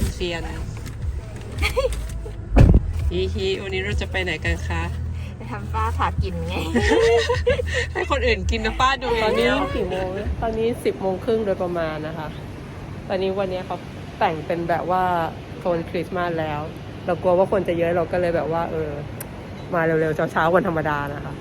มันเซียนฮีวันนี้เราจะไปไหนกันคะไปทำป้าพากินไงให้คนอื่นกินนะป้าดูตอนนี้กี่โมงตอนนี้10:30โดยประมาณนะคะตอนนี้วันนี้เขาแต่งเป็นแบบว่าโซนคริสต์มาสแล้วเรากลัวว่าคนจะเยอะเราก็เลยแบบว่ามาเร็วๆเช้าๆวันธรรมดานะคะ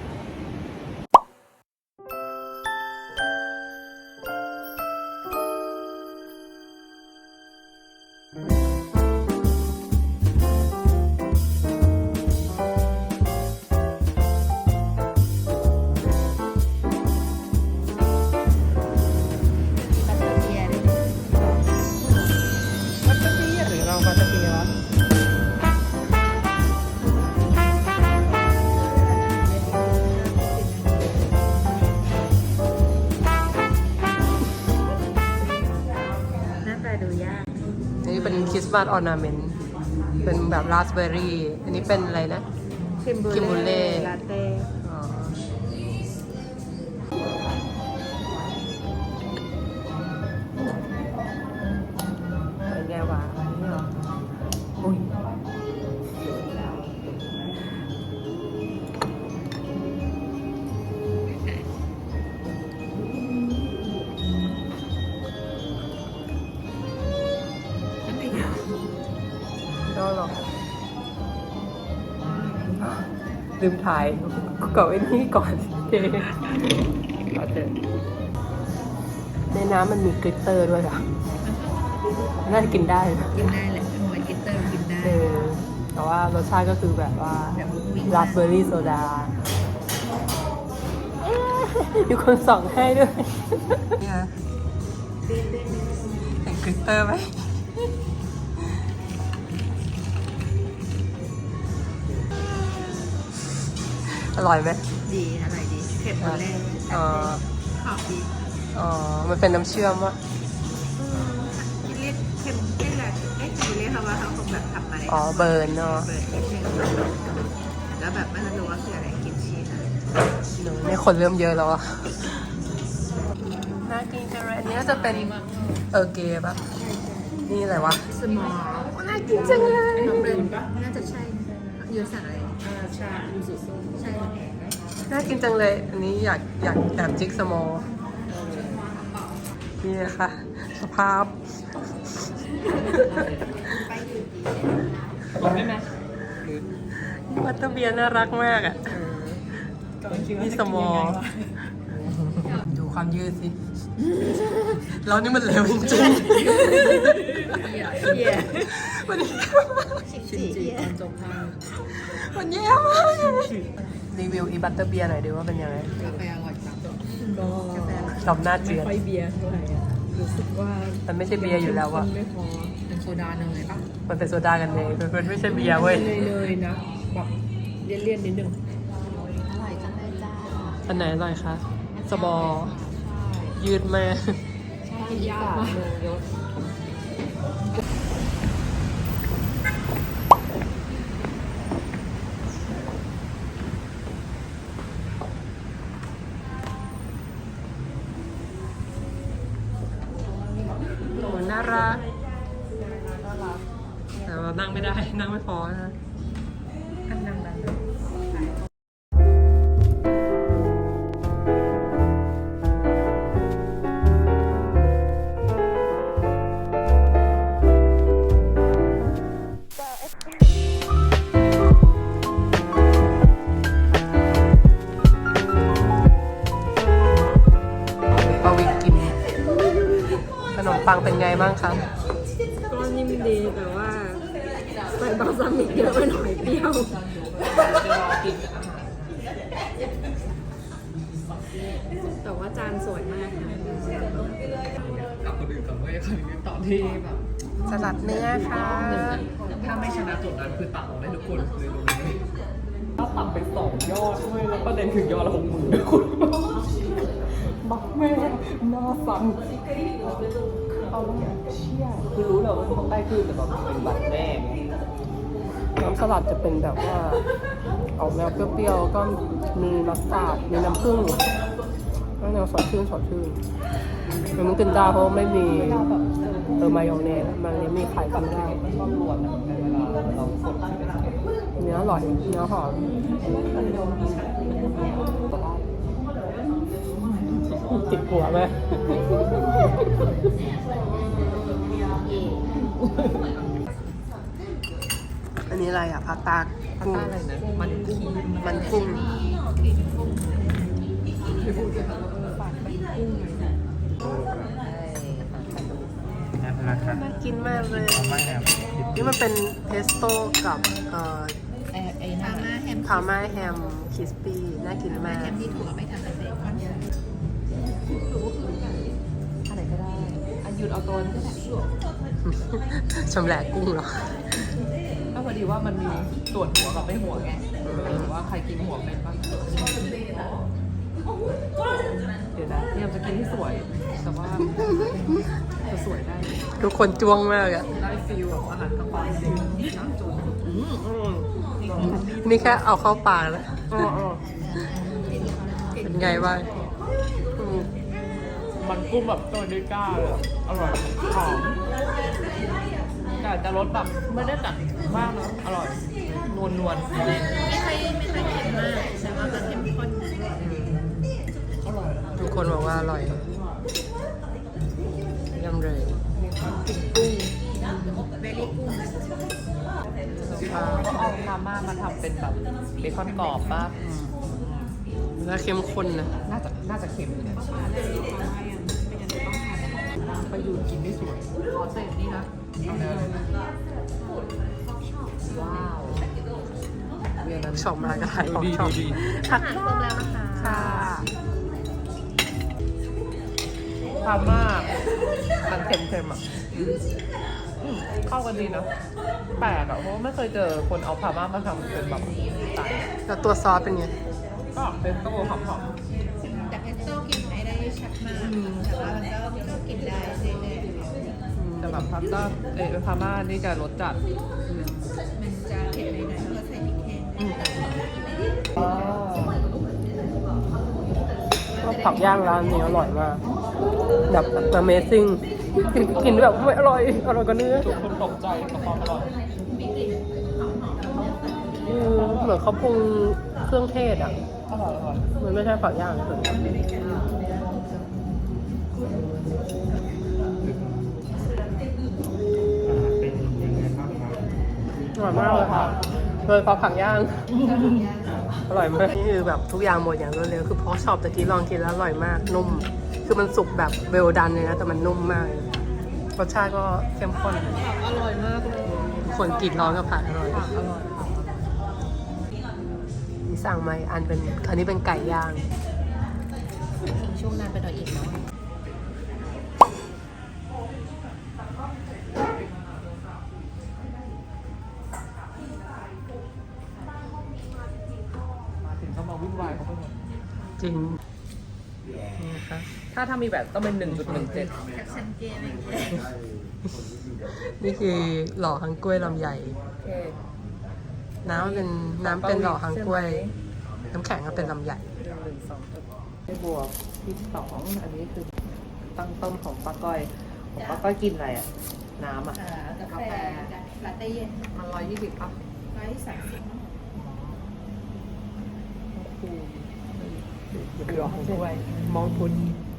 อันนี้เป็นคริสต์มาสออร์นาเมนต์เป็นแบบราสเบอร์รี่อันนี้เป็นอะไรนะคิมบูเล่ลาเต้เป็นไงวะนี่เหรออุ้ยหรอลืมถ่ายก่อนไอ้นี่ก่อนเจ๊ก่อนเถอะในน้ำมันมีกลิตเตอร์ด้วยอ่ะน่าจะกินได้กินได้แหละเหมือนกินเตอร์กินได้แต่ว่ารสชาติก็คือแบบว่าราสเบอร์รี่โซดามีคนส่องให้ด้วยเนี่ยเห็นกลิตเตอร์ไหมอร่อยไหมดีอร่อยดีเผ็ดหมดเลยหอมดีมันเป็นน้ำเชื่อมวะเรียกเค็มเรียกอะไรเรียกเขาว่าเขาคงแบบทำมาเลยเบิร์นเนาะเบิร์นนิดนึงแล้วแบบไม่รู้ว่าคืออะไรกินชีสนี่คนเริ่มเยอะแล้วอะน่ากินจังเลยอันนี้จะเป็นเกย์ป่ะนี่อะไรวะสมอลน่ากินจังเลยน้องเบิร์นน่าจะใช่ยูสั่งอะไรชายูสุส้มใช่น่ากินจังเลยอันนี้อยากแอบจิกสมอลนี่ค่ะสภาพได้ไหมวัตเตอร์เบียร์น่ารักมากอ่ะนี่สมอลดูความยืดสิเรานี่มันเร็วจริงๆวันนี้มันแย่มากรีวิวอีบัตเตอร์เบียร์หน่อยดิว่าเป็นยังไงกาแฟอร่อยจังก็ชอบหน้าเจือนไม่ค่อยเบียร์เท่าไหร่รู้สึกว่ามันไม่ใช่เบียร์อยู่แล้วอะไม่พอเป็นโซดาเนยป่ะมันเป็นโซดากันเองมันไม่ใช่เบียร์เว้ยเนยนะแบบเลี่ยนนิดนึงอร่อยจังเลยจ้าอันไหนอร่อยคะสบอยืดแม่ใช่ยากมากน่ารักแต่ว่านั่งไม่ได้นั่งไม่พอนะนั่งได้ขนมปังเป็นไงบ้างคะก็นิ่มดีแต่ว่าใส่บาซามิกเยอะไปหน่อยเปรี้ยวแต่ว่าจานสวยมากกับคนอื่นกับเว้ยคนอื่นต่อที่แบบสลัดเนื้อค่ะถ้าไม่ชนะโจทย์นั้นคือตัดออกได้ทุกคนเลยรู้ไหมถ้าตัดไป2 ยอดด้วยแล้วประเด็นถึงยอดละ60,000ทุกคนบักแม่หน้าสั่นเอาแล้วเชี่ยคือรู้เลยว่าต้องได้คือแต่แบบเป็นบัตรแม่น้ำสลัดจะเป็นแบบว่าออกแนวเปรี้ยวๆก็มีมัสตาร์ดมีน้ำผึ้งก็แนวสดชื่นมันกินได้เพราะไม่มีมายองเนสมันนี้มีขายกันได้มันชอบรวนอะในเวลาเราสดเนื้ออร่อยเนื้อหอมติดหัวไหมอันนี้อะไรอ่ะพาสต้าพาสต้าอะไรนะมันกุ้งมันกุ้ง น่ากินมากเลย นี่มันเป็นเพสโต้กับพาม่าแฮมคริสปี้น่ากินมากที่ถั่วไม่ทำเป็นเบคอนอะไรก็ได้หยุดเอาตัวนี้ก็ได้ชำแหละกุ้งเหรอก็พอดีว่ามันมีส่วนหัวกับไม่หัวไงหรือว่าใครกินหัวเป็นบ้างเดี๋ยวนะพยายามจะกินให้สวย แต่ว่าจะสวยได้ทุกคนจ้วงมากอะได้ฟีลแบบอาหารกลางวันจริงน้ำจุ่มนี่แค่เอาเข้าปากแล้วเป็นไงบ้างมันกุ้งแบบตัวดิก้าเลยอร่อยหอมแต่จะรสแบบไม่ได้จัดมากนะอร่อยนวลนวลไม่ค่อยเค็มมากแต่ว่ามันเข้มข้นอร่อยทุกคนบอกว่าอร่อยเยี่ยมเลยเบลลี่กุ้งก็เอามาม่ามาทำเป็นแบบเบคอนกรอบป่ะแล้วเข้มข้นนะน่าจะเค็มเนี่ยไปยืนกินได้สวยขอเศษนี่นะว้าวเรียนนั้นชอบมากก็ถ่ายของชอบดีค่ะอาหารครบแล้วนะคะค่ะพาม่ามันเค็มๆอ่ะเข้ากันดีนะแปลกอ่ะเพราะว่าไม่เคยเจอคนเอาพาม่ามาทำเป็นแบบไต่แล้วตัวซอสเป็นไงก็เป็นก็หอมแต่เพสโต้กินไม่ได้ชัดมากแต่ว่ามันก็กินได้เรื่อยๆแต่แบบพาสต้าพาม่านี่จะรสจัดๆมันจะเผ็ดหน่อยๆเพราะเราใส่พริกแห้งก็ผักย่างร้านนี้อร่อยมากแบบ Amazing กินแบบไม่อร่อยอร่อยกว่าเนื้อทุกคนตกใจกับความอร่อยเหมือนเขาปรุงเครื่องเทศอ่ะอร่อยมันไม่ใช่ผักย่างเลยอร่อยมากเลยค่ะโดยเฉพาะผักย่าง อร่อยมากนี่คือแบบทุกอย่างหมดอย่างรวดเร็วคือเพราะชอบตะกี้ลองกินแล้วอร่อยมากนุ่ม คือมันสุกแบบเวลดันเลยนะแต่มันนุ่มมากรสชาติก็เข้มข้นอร่อยมากเลยคนกรีดร้องกับผักอร่อยอร่อยนี่สั่งมาอีกอันเป็นอันนี้เป็นไก่ย่างช่วงนานไปหน่อยอีกเนาะมาถึงก็มาวุ่นวายเขาไปหมดจริงนี่นะคะถ้ามีแบบต้องเป็น 1.17 จากสันเกตอะไรอย่างเงี้ยนี่คือหล่อฮังกล้วยลำใหญ่โอเคน้ำเป็นหล่อฮังกล้วย น้ำแข็งก็เป็นลำใหญ่ให้บวกที่2อันนี้คือตั้งต้นของป้าก้อยของป้าก้อยกินอะไรอ่ะ น้ำอ่ะกาแฟลาเต้เย็นมัน120ป่ะ 130 หล่อฮังกล้วย มองพุน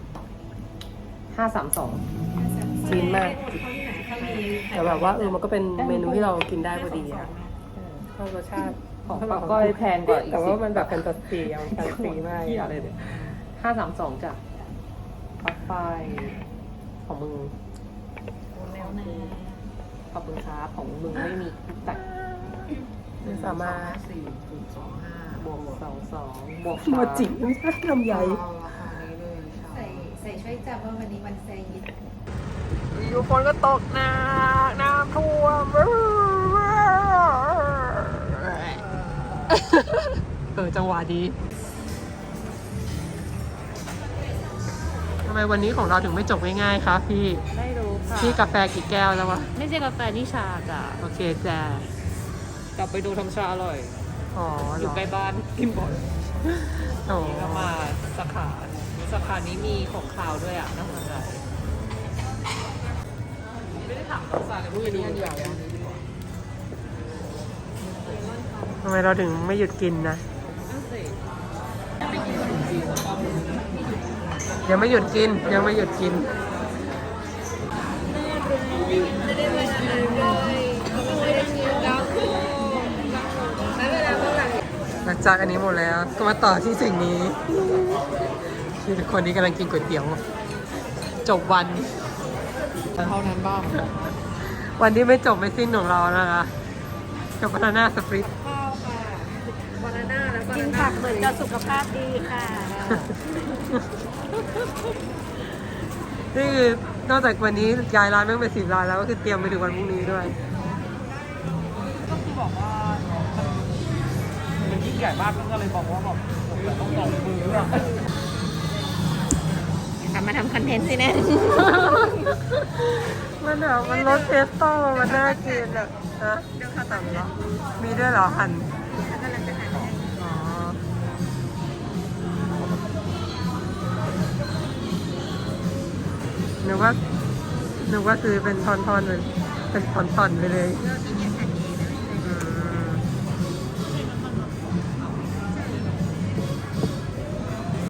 532 จีนมาก แต่แบบว่ามันก็เป็นเมนูที่เรากินได้พอดีอะชอบรสชาติของป้าก้อยแพงกว่าอีกแต่ว่ามันแบบเป็นตัวสีเอาแฟนซีมากที่อะไรเนี่ย532จ้ะปลั๊กไฟของมึงแล้วนะขอบคุณครับของมึงไม่มีแต่ไม่สามารถ 4.25บวก22บวกโมจิไม่ใช่ลำใหญ่เอาราคานี้เลยใช่ใส่ช่วยจำว่าวันนี้วันแซยิดอยู่ฝนก็ตกหนักน้ำท่วมจังหวะดีทำไมวันนี้ของเราถึงไม่จบง่ายๆคะพี่ไม่รู้ค่ะพี่กาแฟกี่แก้วแล้ววะไม่ใช่กาแฟนี่ชาจ้ะโอเคจ้ะกลับไปดูทำชาอร่อยอ๋อออยู่ใกล้บ้านกินบ่อยอ๋อนี่ก็มาสาขานี้มีของคาวด้วยอ่ะน่าสนใจถามน้องสาวเลยว่านี้อันเดียวทำไมเราถึงไม่หยุดกินนะยังไม่หยุดกินยังไม่หยุดกินหลังจากอันนี้หมดแล้วก็มาต่อที่สิ่งนี้คือคนนี้กำลังกินก๋วยเตี๋ยวจบวันเท่านั้นบ้างวันที่ไม่จบไม่สิ้นของเรานะคะกับบานาน่าสปริตข้าวค่ะบานาน่าแล้วกินผักเหมือนจะสุขภาพดีค่ะนี่คือนอกจากวันนี้ย้ายร้านไม่เป็น10 ร้านแล้วก็คือเตรียมไปถึงวันพรุ่งนี้ด้วยก็คือบอกว่ามันยิ่งใหญ่มากก็เลยบอกว่าแบบผมจะต้องลองมืออะกลับมาทำคอนเทนต์สิแน่มันแบบมันรสเพสโต้มันน่ากินอ่ะฮะสั่งแล้วมีด้วยเหรอหั่นอ๋อนึกว่าซื้อเป็นทอนๆเลยเป็นตอนๆไปเลยเราจะ